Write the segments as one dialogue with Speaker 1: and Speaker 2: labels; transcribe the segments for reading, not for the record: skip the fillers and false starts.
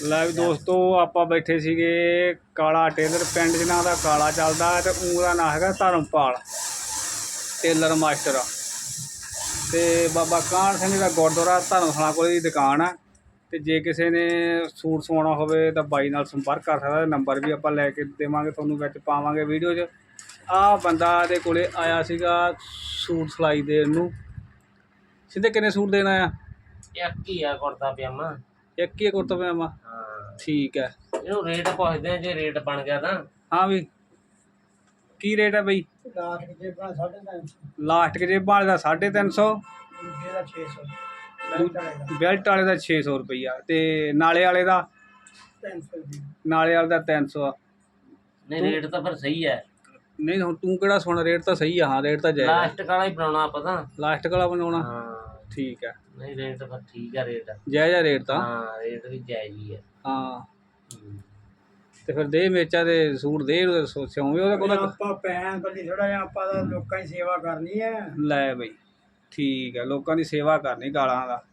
Speaker 1: ਲੈ ਵੀ ਦੋਸਤੋ ਆਪਾਂ ਬੈਠੇ ਸੀਗੇ ਕਾਲਾ ਟੇਲਰ ਪਿੰਡ ਜਿਨ੍ਹਾਂ ਦਾ ਕਾਲਾ ਚੱਲਦਾ ਤੇ ਉਹਦਾ ਨਾਂ ਹੈਗਾ ਧਰਮਪਾਲ ਟੇਲਰ ਮਾਸਟਰ ਤੇ ਬਾਬਾ ਕਾਹਨ ਸਿੰਘ ਦਾ ਗੁਰਦੁਆਰਾ ਧਰਮਸ਼ਾਲਾ ਕੋਲ ਦੀ ਦੁਕਾਨ ਆ। ਤੇ ਜੇ ਕਿਸੇ ਨੇ ਸੂਟ ਸਵਾਉਣਾ ਹੋਵੇ ਤਾਂ ਬਾਈ ਨਾਲ ਸੰਪਰਕ ਕਰ ਸਕਦਾ। ਨੰਬਰ ਵੀ ਆਪਾਂ ਲੈ ਕੇ ਦੇਵਾਂਗੇ ਤੁਹਾਨੂੰ, ਵਿੱਚ ਪਾਵਾਂਗੇ ਵੀਡੀਓ 'ਚ। ਆਹ ਬੰਦਾ ਦੇ ਕੋਲੇ ਆਇਆ ਸੀਗਾ ਸੂਟ ਸਿਲਾਈ ਦੇਣ ਨੂੰ। ਸਿੱਧੇ ਕਿੰਨੇ ਸੂਟ ਦੇਣਾ ਆ?
Speaker 2: ਇੱਕ ਹੀ ਆ ਕੁੜਤਾ ਪਜਾਮਾ।
Speaker 1: ਇੱਕ ਹੀ ਕੁੜਤਾ ਪਜਾਮਾ?
Speaker 2: ਹਾਂ
Speaker 1: ਠੀਕ ਹੈ।
Speaker 2: ਇਹਨੂੰ ਰੇਟ ਪੁੱਛਦੇ ਆ, ਜੇ ਰੇਟ ਬਣ ਗਿਆ ਤਾਂ।
Speaker 1: ਹਾਂ ਵੀ ਕੀ ਰੇਟ ਹੈ ਬਈ?
Speaker 3: ਲਾਸਟ ਜੇਬਾਂ 350,
Speaker 1: ਲਾਸਟ ਜੇਬਾਂ ਵਾਲੇ ਦਾ 350,
Speaker 3: ਦੂਜੇ ਦਾ 600,
Speaker 1: ਬੈਲਟ ਵਾਲੇ ਦਾ 600 ਰੁਪਈਆ ਤੇ ਨਾਲੇ ਵਾਲੇ ਦਾ
Speaker 3: 300 ਦੀ।
Speaker 1: ਨਾਲੇ ਵਾਲੇ ਦਾ 300 ਆ।
Speaker 2: ਨਹੀਂ ਰੇਟ ਤਾਂ ਫਿਰ ਸਹੀ ਹੈ।
Speaker 1: ਨਹੀਂ ਹੁਣ ਤੂੰ ਕਿਹੜਾ ਸੁਣ, ਰੇਟ ਤਾਂ ਸਹੀ ਆ। ਹਾਂ ਰੇਟ ਤਾਂ ਜਾਇਜ਼ ਆ।
Speaker 2: ਲਾਸਟ ਵਾਲਾ ਹੀ ਬਣਾਉਣਾ ਆਪਾਂ ਤਾਂ।
Speaker 1: ਲਾਸਟ ਵਾਲਾ ਬਣਾਉਣਾ?
Speaker 2: ਹਾਂ
Speaker 1: ਠੀਕ ਹੈ।
Speaker 2: ਨਹੀਂ ਰੇਟ ਫਿਰ ਠੀਕ ਆ, ਰੇਟ
Speaker 1: ਜਾਇਜ਼ ਆ ਰੇਟ ਤਾਂ।
Speaker 2: ਹਾਂ ਰੇਟ ਵੀ ਜਾਇਜ਼ ਹੀ ਹੈ।
Speaker 1: ਹਾਂ ਤੇ ਫਿਰ ਦੇ ਮੇਚਾ ਦੇ ਸੂਟ ਦੇ ਸਿਉਂਵੇਂ ਉਹਦਾ ਕੋਲ।
Speaker 3: ਆਪਾਂ ਪੈਣ ਬੱਲੀ ਥੋੜਾ ਜਿਹਾ, ਆਪਾਂ ਤਾਂ ਲੋਕਾਂ ਦੀ ਸੇਵਾ ਕਰਨੀ ਹੈ।
Speaker 1: ਲੈ ਬਈ ਠੀਕ ਹੈ, ਲੋਕਾਂ ਦੀ ਸੇਵਾ ਕਰਨੀ ਗਾਲਾਂ ਦਾ।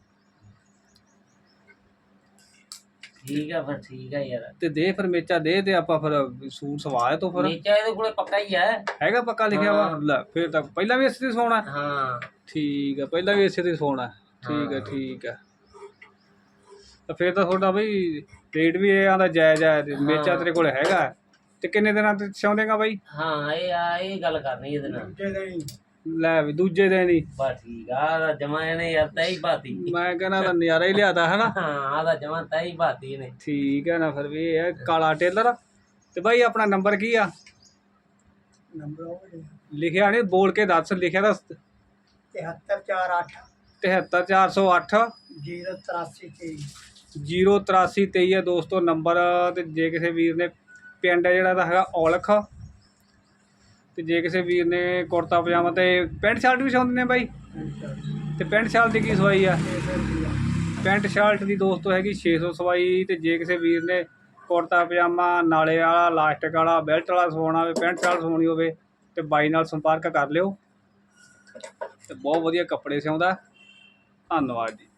Speaker 2: ਠੀਕ ਆ ਫਿਰ, ਠੀਕ ਆ ਯਾਰ।
Speaker 1: ਤੇ ਦੇ ਫਿਰ ਮੇਚਾ ਦੇ ਤੇ ਆਪਾਂ ਫਿਰ ਸੂਟ ਸਵਾਏ ਤੋਂ ਫਿਰ।
Speaker 2: ਨੀਚਾ ਇਹਦੇ ਕੋਲੇ ਪੱਕਾ ਹੀ ਹੈ।
Speaker 1: ਹੈਗਾ ਪੱਕਾ ਲਿਖਿਆ ਵਾ? ਲੈ ਫਿਰ ਤਾਂ ਪਹਿਲਾਂ ਵੀ ਇਸੇ ਤੇ ਸਵਾਉਣਾ?
Speaker 2: ਹਾਂ
Speaker 1: ਠੀਕ ਹੈ, ਪਹਿਲਾਂ ਵੀ ਇਸੇ ਤੇ ਸਵਾਉਣਾ। ਠੀਕ ਹੈ ਠੀਕ ਹੈ। ਤਾਂ ਫਿਰ ਤਾਂ ਤੁਹਾਡਾ ਬਈ ਰੇਟ ਵੀ ਇਹ ਆਂਦਾ ਜਾਇਜ਼ ਹੈ। ਮੇਚਾ ਤੇਰੇ ਕੋਲ ਹੈਗਾ ਤੇ ਕਿੰਨੇ ਦਿਨਾਂ ਤੇ ਸਿਉਂਦੇਗਾ ਬਾਈ?
Speaker 2: ਹਾਂ ਇਹ ਗੱਲ ਕਰਨੀ ਇਹਦੇ ਨਾਲ।
Speaker 3: ਦੂਜੇ ਦਾ ਹੀ
Speaker 1: ਲੈ ਵੀ ਦੂਜੇ ਦਿਨ ਹੀ?
Speaker 2: ਬਸ ਠੀਕ ਆ, ਜਮਾ ਇਹਨੇ ਯਾਰ ਤੈਅ ਹੀ ਬਾਤੀ।
Speaker 1: ਮੈਂ ਕਹਿੰਦਾ ਤਾਂ ਨਜ਼ਾਰਾ ਹੀ ਲਿਆਦਾ ਹੈ ਨਾ।
Speaker 2: ਹਾਂ ਆਦਾ ਜਮਾ ਤੈਅ ਹੀ ਬਾਤੀ ਇਹਨੇ।
Speaker 1: ਠੀਕ ਹੈ ਨਾ। ਫਿਰ ਵੀ ਇਹ ਹੈ ਕਾਲਾ ਟੇਲਰ। ਤੇ ਬਾਈ ਆਪਣਾ ਨੰਬਰ ਕੀ ਆ?
Speaker 3: ਨੰਬਰ ਉਹ
Speaker 1: ਲਿਖਿਆ ਨਹੀਂ, ਬੋਲ ਕੇ ਦੱਸ। ਲਿਖਿਆ ਤਾਂ
Speaker 3: 73408
Speaker 1: 73408
Speaker 3: 08323
Speaker 1: 08323 ਹੈ ਦੋਸਤੋ ਨੰਬਰ। ਤੇ ਜੇ ਕਿਸੇ ਵੀਰ ਨੇ ਪਿੰਡ ਜਿਹੜਾ ਦਾ ਹੈਗਾ ਔਲਖ, ਤੇ ਜੇ ਕਿਸੇ ਵੀਰ ਨੇ ਕੁੜਤਾ ਪਜਾਮਾ ਤੇ ਪੈਂਟ ਸ਼ਰਟ ਵੀ ਸਿਉਂਦੇ ਨੇ ਬਾਈ? ਤੇ ਪੈਂਟ ਸ਼ਰਟ ਦੀ ਕੀ ਸਵਾਈ ਆ? ਪੈਂਟ ਸ਼ਰਟ ਦੀ ਦੋਸਤੋ ਹੈਗੀ 600 ਸਵਾਈ। ਤੇ ਜੇ ਕਿਸੇ ਵੀਰ ਨੇ ਕੁੜਤਾ ਪਜਾਮਾ ਨਾਲੇ ਵਾਲਾ ਲਾਸਟਿਕ ਵਾਲਾ ਬੈਲਟ ਵਾਲਾ ਸਵਾਉਣਾ ਹੋਵੇ, ਪੈਂਟ ਸ਼ਰਟ ਸਵਾਉਣੀ ਹੋਵੇ ਤੇ ਬਾਈ ਨਾਲ ਸੰਪਰਕ ਕਰ ਲਿਓ। ਤੇ ਬਹੁਤ ਵਧੀਆ ਕੱਪੜੇ ਸਿਉਂਦਾ। ਧੰਨਵਾਦ ਜੀ।